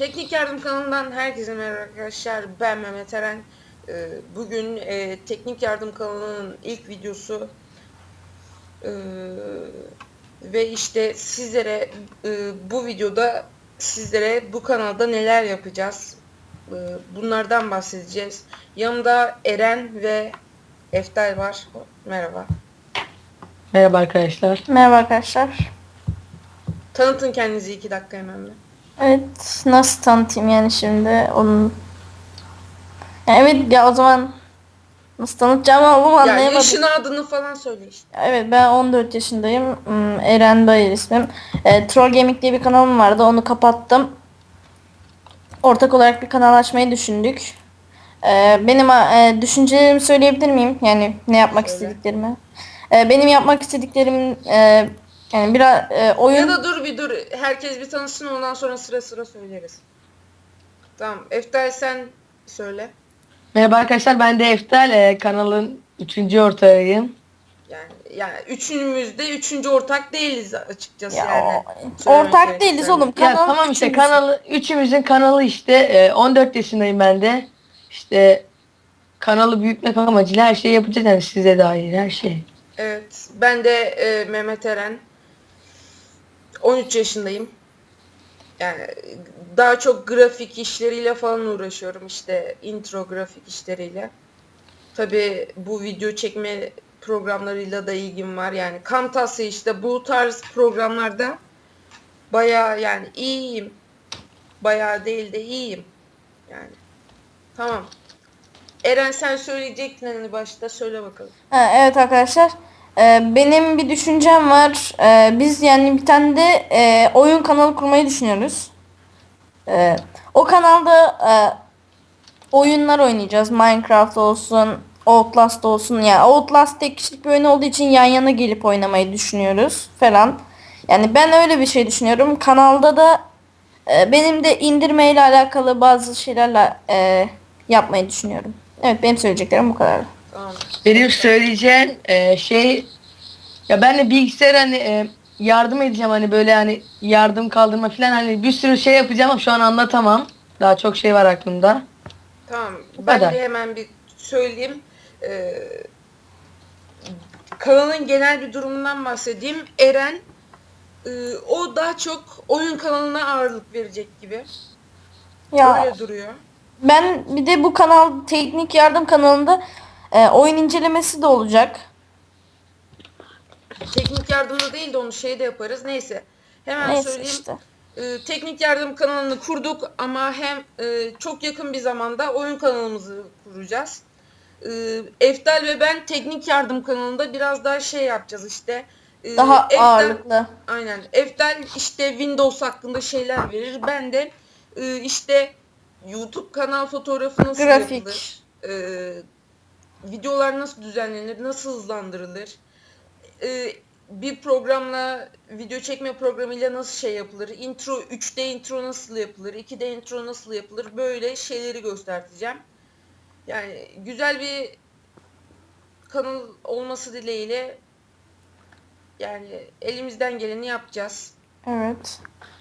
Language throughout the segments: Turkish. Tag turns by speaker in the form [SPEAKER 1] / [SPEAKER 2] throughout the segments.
[SPEAKER 1] Teknik Yardım kanalından herkese merhaba arkadaşlar. Ben Mehmet Eren. Bugün Teknik Yardım kanalının ilk videosu ve işte sizlere bu videoda sizlere bu kanalda neler yapacağız, bunlardan bahsedeceğiz. Yanımda Eren ve Eftal var. Merhaba.
[SPEAKER 2] Merhaba arkadaşlar.
[SPEAKER 3] Merhaba arkadaşlar.
[SPEAKER 1] Tanıtın kendinizi 2 dakika hemen bir.
[SPEAKER 3] Evet, nasıl tanıtayım yani şimdi onun. Evet ya, o zaman nasıl tanıtacağımı
[SPEAKER 1] Ya
[SPEAKER 3] anlayamadım.
[SPEAKER 1] yaşını, adını falan söyle işte.
[SPEAKER 3] Evet, ben 14 yaşındayım. Eren Bayır ismim. Troll Gaming diye bir kanalım vardı, onu kapattım. Ortak olarak bir kanal açmayı düşündük. Benim düşüncelerimi söyleyebilir miyim? Yani ne yapmak
[SPEAKER 1] Söyle.
[SPEAKER 3] istediklerimi. Benim yapmak istediklerim yani biraz oyun.
[SPEAKER 1] Ya da dur. Herkes bir tanışsın, ondan sonra sıra sıra söyleriz. Tamam. Eftel sen söyle.
[SPEAKER 2] Merhaba arkadaşlar, ben de Eftel, kanalın 3. ortağıyım.
[SPEAKER 1] Yani üçümüz de üçüncü ortak değiliz açıkçası
[SPEAKER 3] Ya,
[SPEAKER 1] yani.
[SPEAKER 3] ortak değiliz oğlum.
[SPEAKER 2] Ya
[SPEAKER 3] Kanal
[SPEAKER 2] tamam işte
[SPEAKER 3] üçümüz.
[SPEAKER 2] üçümüzün kanalı işte, 14 yaşındayım ben de. İşte kanalı büyütmek amacıyla her şeyi yapacağız yani size dair her şey.
[SPEAKER 1] Evet. Ben de Mehmet Eren. 13 yaşındayım. Yani daha çok grafik işleriyle falan uğraşıyorum. İşte intro grafik işleriyle. Tabii bu video çekme programlarıyla da ilgim var. Yani Camtasia işte bu tarz programlarda bayağı yani iyiyim. Bayağı değil de iyiyim. Yani. Tamam. Eren sen söyleyecektin hani başta, söyle bakalım.
[SPEAKER 3] Evet arkadaşlar. Benim bir düşüncem var. Biz yani bir tane de oyun kanalı kurmayı düşünüyoruz. O kanalda oyunlar oynayacağız. Minecraft olsun, Outlast olsun. Yani Outlast tek kişilik bir oyun olduğu için yan yana gelip oynamayı düşünüyoruz falan. Yani ben öyle bir şey düşünüyorum. Kanalda da benim de indirmeyle alakalı bazı şeylerle yapmayı düşünüyorum. Evet, benim söyleyeceklerim bu kadar.
[SPEAKER 1] Tamam.
[SPEAKER 2] Benim söyleyeceğim şey, ya ben de bilgisayar yardım edeceğim, hani böyle hani yardım kaldırma falan, hani bir sürü şey yapacağım ama şu an anlatamam. Daha çok şey var aklımda.
[SPEAKER 1] Tamam.
[SPEAKER 2] Bu
[SPEAKER 1] Ben
[SPEAKER 2] kadar.
[SPEAKER 1] de hemen bir söyleyeyim. Kanalın genel bir durumundan bahsedeyim. Eren o daha çok oyun kanalına ağırlık verecek gibi.
[SPEAKER 3] Ya
[SPEAKER 1] Öyle duruyor.
[SPEAKER 3] ben bir de bu kanal teknik yardım kanalında oyun incelemesi de olacak.
[SPEAKER 1] Teknik yardımda değil de onu de yaparız. Neyse. Hemen
[SPEAKER 3] Neyse
[SPEAKER 1] söyleyeyim.
[SPEAKER 3] işte.
[SPEAKER 1] Teknik yardım kanalını kurduk ama hem çok yakın bir zamanda oyun kanalımızı kuracağız. Eftal ve ben teknik yardım kanalında biraz daha şey yapacağız işte.
[SPEAKER 3] Daha
[SPEAKER 1] Eftal,
[SPEAKER 3] ağırlıklı.
[SPEAKER 1] aynen. Eftal işte Windows hakkında şeyler verir. Ben de işte YouTube kanal fotoğrafı nasıl
[SPEAKER 3] Grafik.
[SPEAKER 1] yapılır? Videolar nasıl düzenlenir? Nasıl hızlandırılır? Bir programla, video çekme programıyla nasıl şey yapılır? Intro, 3D intro nasıl yapılır? 2D intro nasıl yapılır? Böyle şeyleri göstereceğim. Yani güzel bir kanal olması dileğiyle yani elimizden geleni yapacağız.
[SPEAKER 3] Evet.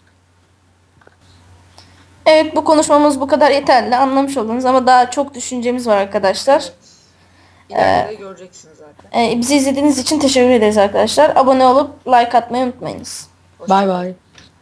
[SPEAKER 3] Evet, bu konuşmamız bu kadar yeterli. Anlamış oldunuz ama daha çok düşüncemiz var arkadaşlar.
[SPEAKER 1] Evet. İleride de göreceksiniz zaten.
[SPEAKER 3] Bizi izlediğiniz için teşekkür ederiz arkadaşlar. Abone olup like atmayı unutmayınız.
[SPEAKER 1] Hoşça
[SPEAKER 2] Bay
[SPEAKER 1] kalın.
[SPEAKER 2] bay.